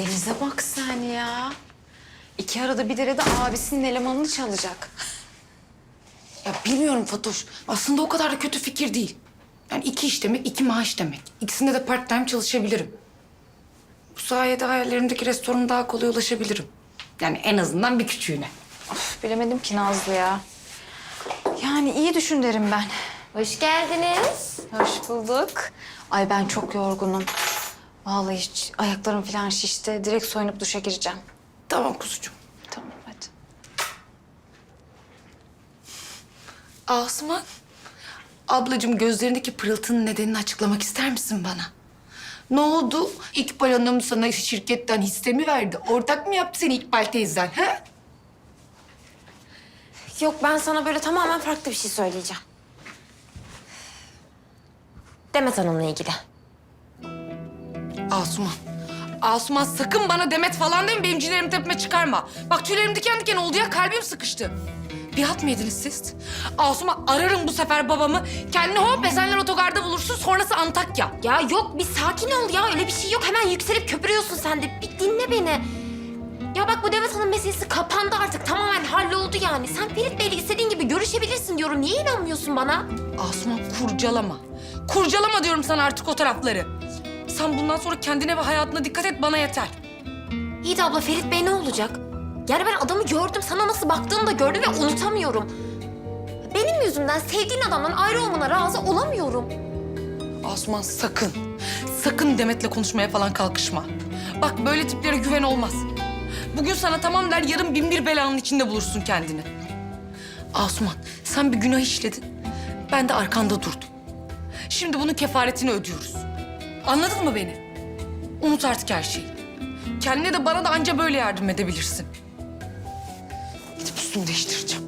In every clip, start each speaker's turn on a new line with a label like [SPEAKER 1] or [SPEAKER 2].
[SPEAKER 1] Deniz'e bak sen ya. İki arada bir derede abisinin elemanını çalacak.
[SPEAKER 2] Ya bilmiyorum Fatoş. Aslında o kadar da kötü fikir değil. Yani 2 iş demek, 2 maaş demek. İkisinde de part time çalışabilirim. Bu sayede hayallerimdeki restorana daha kolay ulaşabilirim. Yani en azından bir küçüğüne.
[SPEAKER 1] Of, bilemedim ki Nazlı ya. Yani iyi düşün derim ben.
[SPEAKER 3] Hoş geldiniz.
[SPEAKER 1] Hoş bulduk. Ay ben çok yorgunum. Vallahi hiç ayaklarım falan şişti. Direkt soyunup duşa gireceğim.
[SPEAKER 2] Tamam kuzucuğum.
[SPEAKER 1] Tamam hadi.
[SPEAKER 2] Asuman. Ablacığım gözlerindeki pırıltının nedenini açıklamak ister misin bana? Ne oldu? İkbal Hanım sana şirketten hisse mi verdi? Ortak mı yaptı seni İkbal teyzen? He?
[SPEAKER 3] Yok ben sana böyle tamamen farklı bir şey söyleyeceğim. Demet Hanım'la ilgili.
[SPEAKER 2] Asuman. Asuman sakın bana Demet falan deme, benim ciğerimi tepeme çıkarma. Bak tüylerim diken diken oldu ya, kalbim sıkıştı. Bir halt mı yediniz siz? Asuman ararım bu sefer babamı. Kendini hop Esenler Otogar'da bulursun, sonrası Antakya.
[SPEAKER 3] Ya yok bir sakin ol ya öyle bir şey yok. Hemen yükselip köpürüyorsun sen de. Bir dinle beni. Ya bak bu Demet Hanım meselesi kapandı artık. Tamamen halloldu yani. Sen Ferit Bey'le istediğin gibi görüşebilirsin diyorum. Niye inanmıyorsun bana?
[SPEAKER 2] Asuman kurcalama. Kurcalama diyorum sana artık o tarafları. Sen bundan sonra kendine ve hayatına dikkat et, bana yeter.
[SPEAKER 3] İyi de abla Ferit Bey ne olacak? Yani ben adamı gördüm. Sana nasıl baktığını da gördüm ve unutamıyorum. Benim yüzümden sevdiğin adamdan ayrı olmana razı olamıyorum.
[SPEAKER 2] Asuman sakın, sakın Demet'le konuşmaya falan kalkışma. Bak böyle tiplere güven olmaz. Bugün sana tamam der, yarın bin bir belanın içinde bulursun kendini. Asuman sen bir günah işledin, ben de arkanda durdum. Şimdi bunun kefaretini ödüyoruz. Anladın mı beni? Unut artık her şeyi. Kendine de bana da anca böyle yardım edebilirsin. Gidip üstümü değiştireceğim.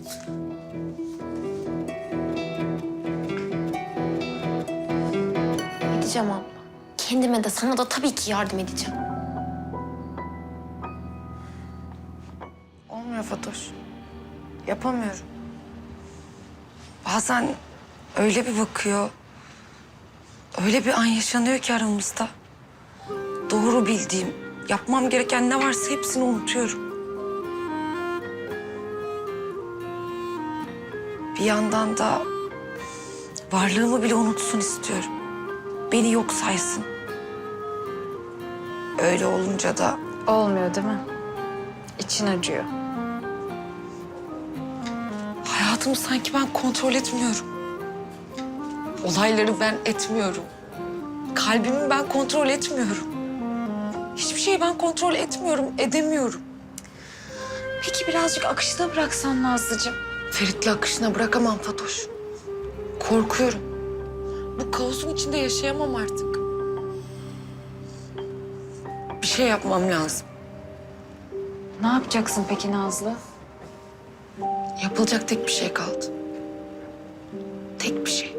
[SPEAKER 3] Edeceğim abla. Kendime de sana da tabii ki yardım edeceğim.
[SPEAKER 2] Olmuyor Fatoş. Yapamıyorum. Bazen öyle bir bakıyor, öyle bir an yaşanıyor ki aramızda. Doğru bildiğim, yapmam gereken ne varsa hepsini unutuyorum. Bir yandan da varlığımı bile unutsun istiyorum. Beni yok saysın. Öyle olunca da
[SPEAKER 1] Olmuyor değil mi? İçin acıyor.
[SPEAKER 2] hayatımı sanki ben kontrol etmiyorum. Olayları ben etmiyorum. Kalbimi ben kontrol etmiyorum. Hiçbir şeyi ben kontrol etmiyorum, edemiyorum.
[SPEAKER 1] Peki birazcık akışta bıraksan Nazlıcığım.
[SPEAKER 2] Ferit'le akışına bırakamam Fatoş. Korkuyorum. Bu kaosun içinde yaşayamam artık. Bir şey yapmam lazım.
[SPEAKER 1] Ne yapacaksın peki Nazlı?
[SPEAKER 2] Yapılacak tek bir şey kaldı. Tek bir şey.